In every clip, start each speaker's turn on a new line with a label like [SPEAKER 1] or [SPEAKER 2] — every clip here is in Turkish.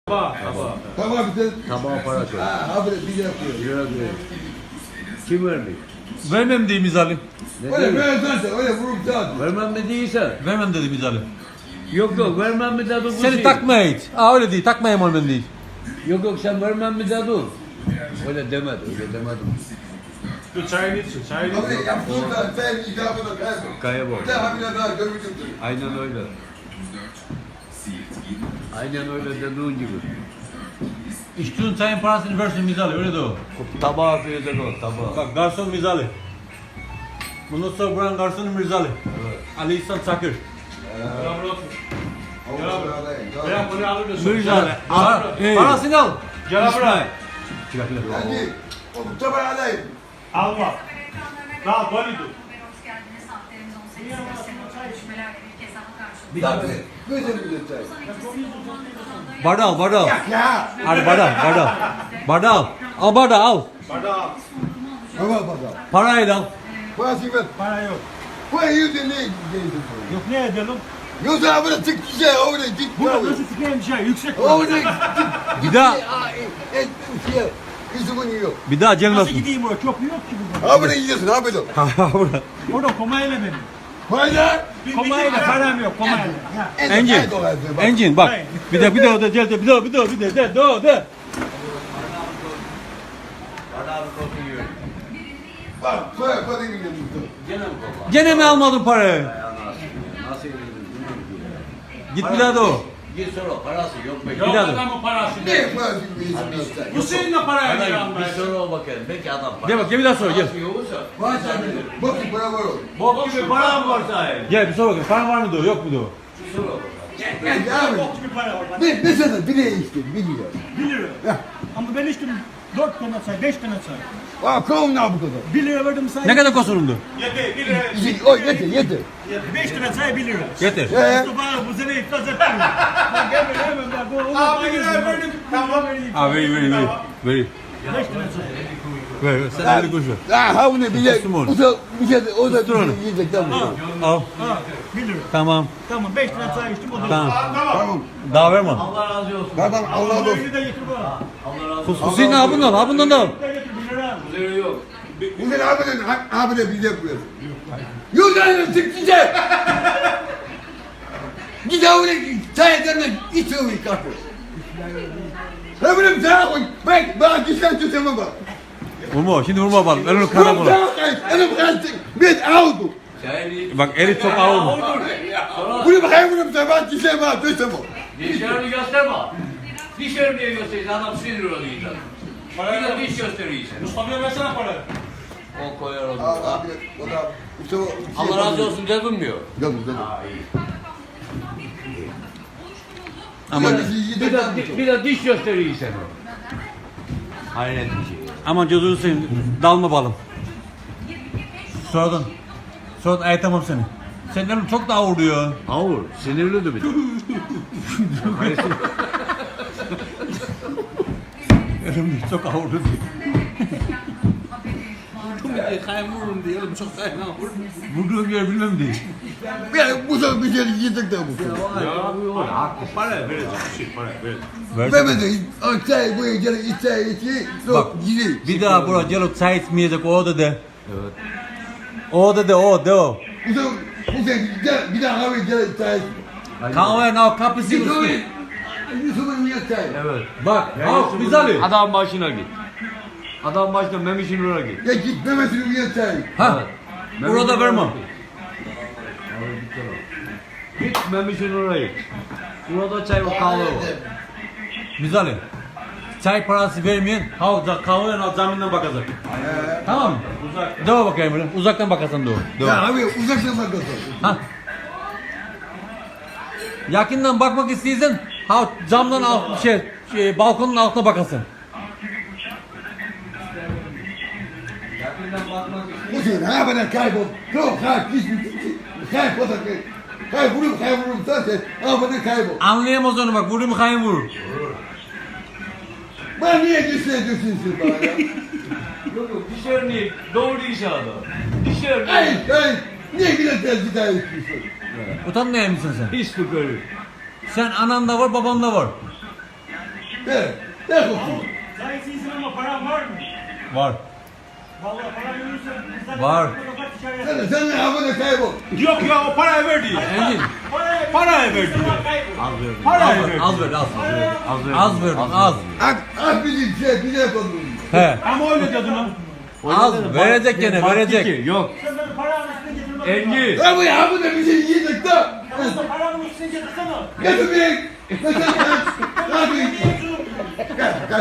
[SPEAKER 1] Tamam bir de.
[SPEAKER 2] Tabağa para koy.
[SPEAKER 1] Abi bir yapıyor.
[SPEAKER 2] Lira diyor. Kim vermiş?
[SPEAKER 3] Vermem diyeyim İzalim.
[SPEAKER 2] Ne
[SPEAKER 1] Öyle
[SPEAKER 2] diyor?
[SPEAKER 1] ben zaten öyle vurup zaten.
[SPEAKER 2] Vermem mi değilse?
[SPEAKER 3] Vermem dedim İzalim.
[SPEAKER 2] Yok yok vermem mi de dur.
[SPEAKER 3] Seni takmaya git. Öyle değil, takmayayım onu ben değil.
[SPEAKER 2] Yok yok sen vermem mi de dur. Öyle demedi, öyle demedim.
[SPEAKER 4] Dur çayını için, çayını
[SPEAKER 1] Abi
[SPEAKER 4] için.
[SPEAKER 1] yaptığın da sen icabına kaybol.
[SPEAKER 2] Kaya bak.
[SPEAKER 1] Bir daha bir daha görmüşüm.
[SPEAKER 2] Aynen öyle. Aynen öyle dediğin gibi.
[SPEAKER 3] İçtiğin çayın parasını versin Mizali, öyle de o.
[SPEAKER 2] Tabağa koyacak o tabağa.
[SPEAKER 3] Bak garson Mizali. Bundan sonra buranın garsonu Mirzali.
[SPEAKER 2] Evet.
[SPEAKER 3] Ali İhsan Çakır.
[SPEAKER 4] Beraber otur.
[SPEAKER 1] Gel.
[SPEAKER 4] Bırak bunu alır da
[SPEAKER 3] Mirzali.
[SPEAKER 4] Al.
[SPEAKER 3] Parasını al.
[SPEAKER 4] Gel buraya.
[SPEAKER 1] Hadi. O tabağı alayım.
[SPEAKER 4] Al bak. Daha dolu dur.
[SPEAKER 1] Bir daha bir. Gözüm bir çay.
[SPEAKER 3] Bardağı al, bardağı al.
[SPEAKER 1] Ya.
[SPEAKER 3] Hadi bardağı, bardağı. Bardağı al. Al bardağı al.
[SPEAKER 4] Bardağı al.
[SPEAKER 1] Tamam bakalım.
[SPEAKER 3] Parayı da al.
[SPEAKER 1] Parası ver.
[SPEAKER 4] Para yok.
[SPEAKER 1] Bu yüzden ne geliyorsun?
[SPEAKER 4] Yok ne edelim?
[SPEAKER 1] Yoksa abi de tık şey orada tık.
[SPEAKER 4] Bu nasıl sıkayım şey? Yüksek.
[SPEAKER 1] Orada
[SPEAKER 3] Bir daha,
[SPEAKER 1] Yüzümün yiyor.
[SPEAKER 3] bir daha
[SPEAKER 4] Nasıl
[SPEAKER 3] gelmesin.
[SPEAKER 4] gideyim oraya? Çok yok ki burada.
[SPEAKER 1] Abi de yiyorsun abi de.
[SPEAKER 4] Orada komayla benim.
[SPEAKER 1] Hayda.
[SPEAKER 4] Komayla param yok komayla. Ha.
[SPEAKER 3] Engin, Engin bak. Bir de de gel de de.
[SPEAKER 1] Bak söyle parayı gidiyorsun.
[SPEAKER 2] Gene mi baba?
[SPEAKER 3] Gene mi almadın parayı?
[SPEAKER 2] Nasıl yedin?
[SPEAKER 3] Git bir daha da o.
[SPEAKER 2] Git sonra parası yok be.
[SPEAKER 4] Yok
[SPEAKER 3] daha dur.
[SPEAKER 4] adamın parası.
[SPEAKER 1] Ne parası gidiyorsun?
[SPEAKER 4] Bu senin de paraya
[SPEAKER 2] Hadi
[SPEAKER 4] giren
[SPEAKER 2] bir sonra o bakalım. Belki adam parası.
[SPEAKER 3] Gel bak, gel bir daha sor, gel.
[SPEAKER 2] Parası yoksa.
[SPEAKER 1] Var sen bak para var o.
[SPEAKER 2] Bok gibi param var sahi.
[SPEAKER 3] Gel bir sor bakayım. Paran var mıydı o, yok muydu o?
[SPEAKER 2] Bir sonra bakalım.
[SPEAKER 1] Gel abi.
[SPEAKER 4] Bok gibi para var.
[SPEAKER 1] Ne sana bile içtin biliyor.
[SPEAKER 4] 1 lira. Ama ben içtim 4 tane çay, 5 tane çay.
[SPEAKER 1] Aa kovun ne bu kadar?
[SPEAKER 4] 1 lira verdim say.
[SPEAKER 3] Ne kadar kosunumdu?
[SPEAKER 4] Yeter 1 lira.
[SPEAKER 1] O yeter.
[SPEAKER 4] 5 tane çay 1 lira.
[SPEAKER 3] Getir.
[SPEAKER 4] Mustafa bu sene iflas ettim. Ben gelmedim hemen ben. Abi lira verdim. Tamam vereyim.
[SPEAKER 3] Ha veri.
[SPEAKER 4] 5 tane çay.
[SPEAKER 3] Ver. Sen 50 kuruş ver.
[SPEAKER 1] Ha bu ne bile.
[SPEAKER 3] Kustum onu.
[SPEAKER 1] O da bir şey o da
[SPEAKER 3] Kustur onu.
[SPEAKER 1] yiyecek tamam.
[SPEAKER 3] Al.
[SPEAKER 4] Ha 1 lira.
[SPEAKER 3] Tamam.
[SPEAKER 4] Tamam 5 tane çay içtim o da.
[SPEAKER 3] Tamam.
[SPEAKER 1] Tamam.
[SPEAKER 3] Daha verme.
[SPEAKER 2] Allah razı olsun.
[SPEAKER 1] Tamam Allah
[SPEAKER 4] Allah
[SPEAKER 1] olsun.
[SPEAKER 4] de getir bana.
[SPEAKER 2] Allah razı olsun.
[SPEAKER 3] Hüseyin ha bundan al, ha bundan da al.
[SPEAKER 4] Bir de getir 1 lira.
[SPEAKER 2] Kuzeri yok.
[SPEAKER 1] Bu ne abi de bize koyuyor. Yok lan tıklayacak. Git abi çay ederine iç o kapı. Ha bunu çay koy. Bak gitsen tutama bak.
[SPEAKER 3] Vurma, şimdi vurma bak. Elini kana bula.
[SPEAKER 1] Elim kaçtı. Biz aldık.
[SPEAKER 2] Çayını
[SPEAKER 3] Bak eli çok ağır mı?
[SPEAKER 1] Bunu bakayım bunu sabah gitsen bak tutama.
[SPEAKER 2] dişlerini gösterme. Dişlerini niye gösteriyorsun? Adam sinir oluyor insan. Bir de diş gösteriyorsun.
[SPEAKER 4] Mustafa'ya versene parayı.
[SPEAKER 2] O koyar onu.
[SPEAKER 1] Abi o da Mustafa.
[SPEAKER 2] Allah razı olsun dedim diyor.
[SPEAKER 1] Dedim.
[SPEAKER 3] Aman,
[SPEAKER 2] Bir de diş gösteriyorsun. Hayret bir şey.
[SPEAKER 3] aman gözünü seveyim. Dalma balım. Sonradan ayatamam seni. Senin elin çok daha vuruyor.
[SPEAKER 2] Ağır. Sinirli de bir de.
[SPEAKER 3] Elim çok ağır vuruyor.
[SPEAKER 2] Kayın vururum diyelim. Çok kayın ağır.
[SPEAKER 3] Vurduğum yer bilmem değil.
[SPEAKER 1] Ben bu sefer bir şey yiyecek de bu.
[SPEAKER 4] Para verecek bir şey para verecek.
[SPEAKER 1] Mehmet'in çay bu gel çay içi.
[SPEAKER 3] Bak,
[SPEAKER 1] Yok yine.
[SPEAKER 3] bir daha buraya gelip çay içmeyecek o da de. Evet. O da de o.
[SPEAKER 1] Bu sefer gel bir daha abi gel çay.
[SPEAKER 3] Kahve ne kapısı
[SPEAKER 1] Git
[SPEAKER 3] üstü.
[SPEAKER 1] oraya. Yusuf'un niye çay?
[SPEAKER 2] Evet.
[SPEAKER 3] Bak, al Mizali.
[SPEAKER 2] Adam başına git. Adam başına Memiş'in oraya git.
[SPEAKER 1] Ya git Mehmet'in niye çay?
[SPEAKER 3] Ha. Burada verme.
[SPEAKER 2] Git Memiş'in oraya git. Burada çay ve kahve var.
[SPEAKER 3] Mizali. Çay parası vermeyen kahve al zaminden bakacak. Tamam mı? Uzak. Deva bakayım böyle. Uzaktan bakasan da o.
[SPEAKER 1] Ya abi uzaktan bakıyorsun.
[SPEAKER 3] Ha. Yakından bakmak istiyorsan camdan balkonun altına bakasın.
[SPEAKER 1] Bu sefer ha bana kaybol. Yok ha git. Kaybol da kaybolur zaten. Ha bana kaybol.
[SPEAKER 3] Anlayamaz onu bak. Vurur mu kayın vurur.
[SPEAKER 1] Ben niye gösteriyorsun bana ya?
[SPEAKER 2] Yok yok dişlerini doğru inşallah. Dişlerini.
[SPEAKER 1] Hayır. Niye gidersin çay içiyorsun?
[SPEAKER 3] Utanmıyor musun sen?
[SPEAKER 2] Hiç tükürür.
[SPEAKER 3] Sen anan da var baban da var.
[SPEAKER 1] Ne korkuyorsun?
[SPEAKER 4] Sen iyisin ama paran var mı?
[SPEAKER 3] Var.
[SPEAKER 4] Vallahi paran yürürse...
[SPEAKER 3] Var.
[SPEAKER 1] Sen ne abone kaybol.
[SPEAKER 4] Yok ya o parayı verdi.
[SPEAKER 3] Engin.
[SPEAKER 4] Parayı verdi. Parayı verdi.
[SPEAKER 3] Az ver, az. Az ver, az.
[SPEAKER 1] Ak bizim şey, bize yapalım.
[SPEAKER 3] He.
[SPEAKER 4] Ama öyle dedin ha.
[SPEAKER 3] Az verecek gene, verecek.
[SPEAKER 5] Yok.
[SPEAKER 4] Sen benim paramın üstüne getirme.
[SPEAKER 5] Engin.
[SPEAKER 1] Ya bu ya bu da bizi yiyecek de.
[SPEAKER 4] Sen paramın üstüne getirsene.
[SPEAKER 1] Getirmeyin. Ne yapayım? Kaç.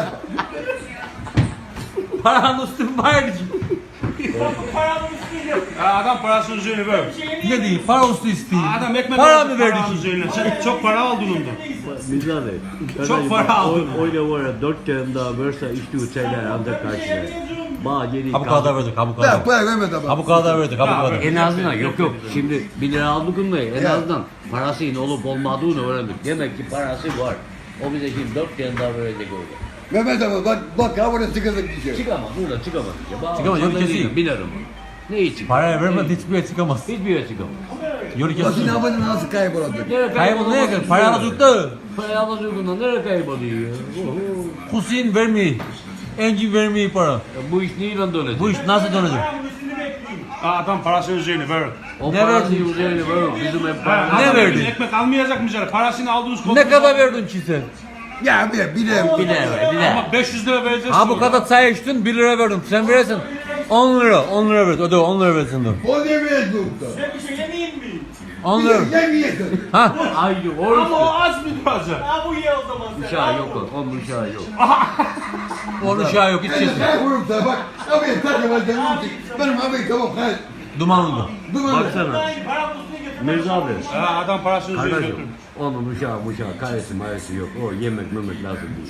[SPEAKER 3] Paranın üstün bayrağı.
[SPEAKER 4] Bak bu paramın üstüne getir.
[SPEAKER 5] Adam parasının üzerine ver.
[SPEAKER 3] Ne diyeyim? Para üstü isteyeyim.
[SPEAKER 5] Adam ekmek
[SPEAKER 3] Para
[SPEAKER 5] aldı
[SPEAKER 3] mı verdi
[SPEAKER 5] paranın
[SPEAKER 3] ki?
[SPEAKER 5] üzerine. Sen çok para aldın ondan.
[SPEAKER 6] Mizade.
[SPEAKER 5] Çok para aldın.
[SPEAKER 6] Öyle var ya 4 kere daha verse işte şeyler ancak karşılar. Bağ geri
[SPEAKER 3] Ha bu kadar verdik, ha bu
[SPEAKER 1] Ya
[SPEAKER 3] kadar.
[SPEAKER 1] para vermedi ama.
[SPEAKER 3] Ha bu kadar verdik, ha bu kadar.
[SPEAKER 6] En azından yok şimdi 1 lira aldığında en azından parasının olup olmadığını öğrendik. Demek ki parası var. O bize şimdi 4 kere daha verecek öyle.
[SPEAKER 1] Mehmet abi bak ha buraya sıkıldık bir şey.
[SPEAKER 6] Çıkamaz burada çıkamaz.
[SPEAKER 3] Çıkamaz, yok kesin.
[SPEAKER 6] Bilirim. Ne için?
[SPEAKER 3] Parayı vermedi hiçbir yere çıkamaz.
[SPEAKER 6] Hiçbir yere çıkamaz.
[SPEAKER 3] Yolu
[SPEAKER 1] Bakın
[SPEAKER 3] kesin.
[SPEAKER 1] abone nasıl kaybolacak?
[SPEAKER 6] Nereye
[SPEAKER 3] Kaybol neye kadar? Para alacakta.
[SPEAKER 6] Parayı alacağından nereye kayboluyor ya?
[SPEAKER 3] Hüseyin vermiyor. Engin vermiyor para.
[SPEAKER 6] Ya bu iş neyle dönecek?
[SPEAKER 3] Bu iş nasıl dönecek?
[SPEAKER 4] Paramın üstünü bekleyeyim.
[SPEAKER 5] Adam parasının üzerine ver.
[SPEAKER 6] O
[SPEAKER 3] Ne
[SPEAKER 6] parası
[SPEAKER 3] verdin?
[SPEAKER 6] üzerine var. Bizim hep paramız.
[SPEAKER 3] Ne
[SPEAKER 5] Adam
[SPEAKER 3] verdin?
[SPEAKER 5] Ekmek almayacak mı canım? Parasını aldınız.
[SPEAKER 3] Ne kadar verdin ki sen?
[SPEAKER 1] Ya bir
[SPEAKER 3] Bir lira.
[SPEAKER 5] Ama 500 lira vereceğiz.
[SPEAKER 3] Ha bu kadar çay içtin 1 lira verdim. Sen verirsin 10 lira. 10 lira ver. Öde 10 lira versin dur.
[SPEAKER 1] O demeye durdu.
[SPEAKER 4] Ben bir şey yemeyeyim mi?
[SPEAKER 3] 10 lira.
[SPEAKER 1] Yemeyesin.
[SPEAKER 3] Ha?
[SPEAKER 6] Haydi
[SPEAKER 5] Ama
[SPEAKER 6] oruç.
[SPEAKER 5] o az mı duracak?
[SPEAKER 4] Ha bu ye o zaman sen.
[SPEAKER 6] Uşağı yok o. Onun uşağı yok.
[SPEAKER 3] Onun uşağı yok hiç
[SPEAKER 1] Ben
[SPEAKER 3] kesin.
[SPEAKER 1] de kaybolum sana bak. Abi takılacağım için. Benim abi tamam hayır.
[SPEAKER 3] Dumanlı.
[SPEAKER 1] Dumanlı.
[SPEAKER 6] Baksana.
[SPEAKER 4] Paramın üstüne getir.
[SPEAKER 6] Mirza abi.
[SPEAKER 5] Ha, adam parasının üzerine
[SPEAKER 6] Kardeşim.
[SPEAKER 5] götürmüş.
[SPEAKER 6] Onun uşağı karesi maresi yok. O yemek lazım değil.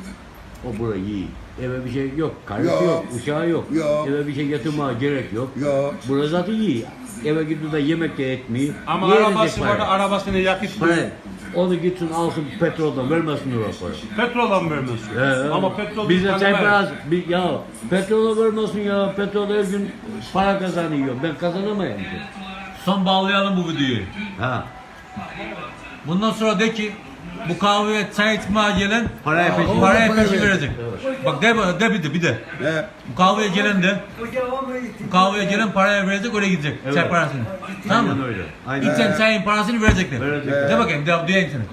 [SPEAKER 6] O burayı iyi. Eve bir şey yok. Karısı
[SPEAKER 1] Yok.
[SPEAKER 6] yok. Uşağı yok.
[SPEAKER 1] Yok.
[SPEAKER 6] Eve bir şey getirmeye gerek yok.
[SPEAKER 1] Yok.
[SPEAKER 6] Burası zaten iyi. Eve gidiyor da yemek de etmiyor.
[SPEAKER 5] Ama
[SPEAKER 6] Yiyecek
[SPEAKER 5] arabası
[SPEAKER 6] para.
[SPEAKER 5] var da arabasını yakıt.
[SPEAKER 6] Para. Onu gitsin alsın petroldan vermesin o para.
[SPEAKER 5] Petrola mı vermiyorsun? Ama petrol
[SPEAKER 6] bize çay
[SPEAKER 5] tanımıyor.
[SPEAKER 6] parası ya petrola vermesin ya petrol her gün para kazanıyor ben kazanamayayım ki.
[SPEAKER 3] Son bağlayalım bu videoyu.
[SPEAKER 6] Ha.
[SPEAKER 3] Bundan sonra de ki bu kahveye çay içmeye gelen
[SPEAKER 6] Paraya peşin.
[SPEAKER 3] paraya
[SPEAKER 1] Para
[SPEAKER 3] peşin
[SPEAKER 1] verecek.
[SPEAKER 3] verecek. Bak de bir de.
[SPEAKER 1] He.
[SPEAKER 3] Bu kahveye gelen de bu kahveye gelen paraya verecek öyle gidecek.
[SPEAKER 6] Evet.
[SPEAKER 3] Çay parasını. Tamam mı?
[SPEAKER 6] Aynen öyle. Aynen.
[SPEAKER 3] İçen çayın parasını verecekler.
[SPEAKER 6] Verecekler.
[SPEAKER 3] De bakayım duyayım seni.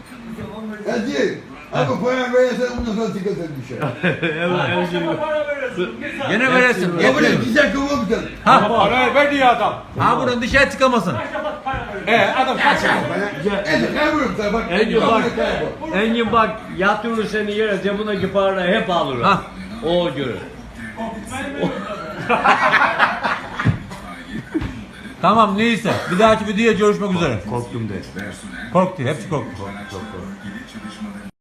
[SPEAKER 1] Hadi. Abi para verirsen ondan sonra sıkıntı bir şey.
[SPEAKER 4] Akşama para veriyorsun.
[SPEAKER 3] Gene verirsin.
[SPEAKER 1] Ya buraya
[SPEAKER 3] Yetmiyor.
[SPEAKER 1] güzel kıvırmışsın.
[SPEAKER 3] Ha?
[SPEAKER 5] Parayı verdi ya adam.
[SPEAKER 3] Ha buradan dışarı çıkamasın.
[SPEAKER 4] Para veriyorsun.
[SPEAKER 5] Adam kaç.
[SPEAKER 1] Ben kaybolum sana bak.
[SPEAKER 6] Engin bak,
[SPEAKER 1] Kaybol.
[SPEAKER 6] Engin bak yatırır seni yere cebindeki paraları hep alır.
[SPEAKER 3] Ha.
[SPEAKER 6] O göre.
[SPEAKER 3] Tamam neyse. Bir dahaki videoya görüşmek üzere.
[SPEAKER 6] Korktum de.
[SPEAKER 3] Korktu. Hepsi korktu.